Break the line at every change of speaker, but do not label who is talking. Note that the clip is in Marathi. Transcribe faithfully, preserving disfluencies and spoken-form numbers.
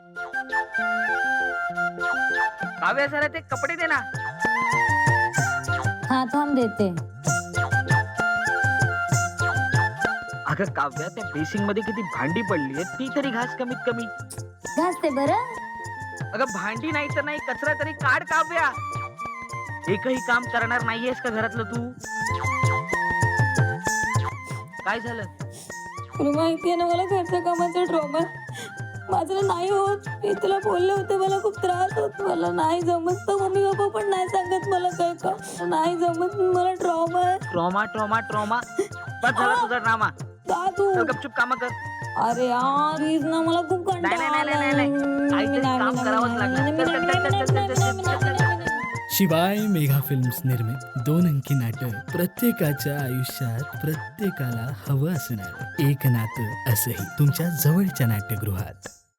काव्या जरा ते कपडे दे ना.
हा थांब देते.
अगं काव्या, त्या बेसिंग मध्ये किती भांडी पडली आहेत, ती तरी घास कमीत कमी.
घासते बरं.
अगं भांडी नाही तर नाही, कचरा तरी काढ काव्या. एकही काम करणार नाहीयेस का घरातलं तू? काय झालं?
तुला माहितीये ना मला घरच्या कामाचा ट्रॉमा. माझं नाही होत. मी तुला बोलले होते मला खूप त्रास होत, मला नाही जमत. तर मम्मी पप्पा पण नाही सांगत मला काय का नाही जमत, मला ट्रॉमा आहे.
ट्रॉमा ट्रॉमा ट्रॉमा बस झाला तुझा ड्रामा.
का तू
चल गपचूप काम कर.
अरे यार प्लीज ना, मला खूप
नाही
कंटाळा
नाही नाही नाही नाही, काहीतरी काम करावंच लागणार. चल, चल, चल, चल, चल, चल, चल, चल, चल.
शिवाय मेघा फिल्म्स निर्मित दोन अंकी नाटक प्रत्येकाच्या आयुष्यात प्रत्येकाला हवं असणार एक नातं, असंही तुमच्या जवळच्या नाट्यगृहात.